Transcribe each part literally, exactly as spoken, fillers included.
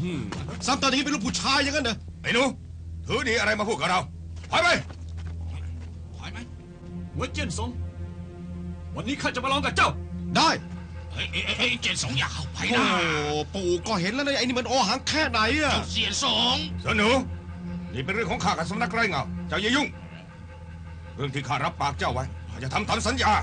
ซ้ำตอนนี้เป็นลูกผู้ชายอย่างนั้นเหรอไอ้หนูถือดีอะไรมาพูดกับเราถอยไปถอยไหมหัวเจี้ยนสงวันนี้ข้าจะมาลองกับเจ้าได้เฮ้ยเฮ้ยเจียนสงอย่าเข้าไปนะโอ้ปู่ก็เห็นแล้วนะไอ้นี่มันโอหังแค่ไหนอะเจียนสงเสนหนูนี่เป็นเรื่องของข้ากับสำนักไร้เงาเจ้าอย่ายุ่งเรื่องที่ข้ารับปากเจ้าไว้ข้าจะทำตามสัญญา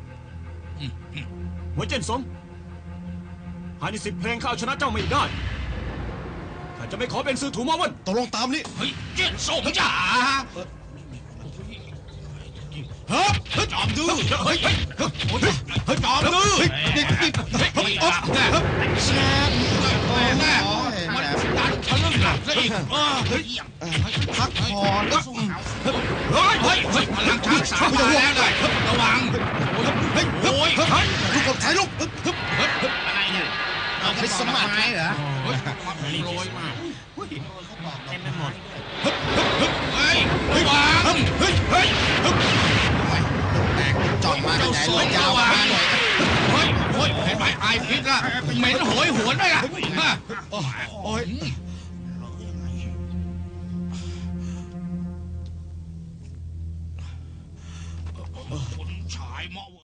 หัวเจี้ยนสงภายในสิบเพลงข้าเอาชนะเจ้าไม่ได้ข้าจะไม่ขอเป็นซื้อถูมาวันตกลงตามนี้เฮ้ยเจียนสงจ๋าเฮ้ยจอมดื้อเฮ้ยเฮ้ยเฮ้ยจอมดื้อเฮ้ยนี่นี่เฮ้ยอ๊อฟแซ่บโอ้แน่มันดันทะลึ่งหลับซะอีกเฮ้ยพักผ่อนเฮ้ยเฮ้ยเฮ้ยพลังช้างสามมาแล้วเลยระวังเฮ้ยโอ้ยลูกกบถ่ายลูกอะไรเนี่ยเอาไปสมัครเหรอเฮ้ยโรยมาเต็มไปหมดเฮ้ยระวังเฮ้ยเฮ้ยแตกจ่องมาไหนเลยยาวมาหน่อยเฮ้ยเฮ้ยเห็นไหมไอพิษละเหม็นโหยหวนด้วยล่ะโอ้ยคนชายเมา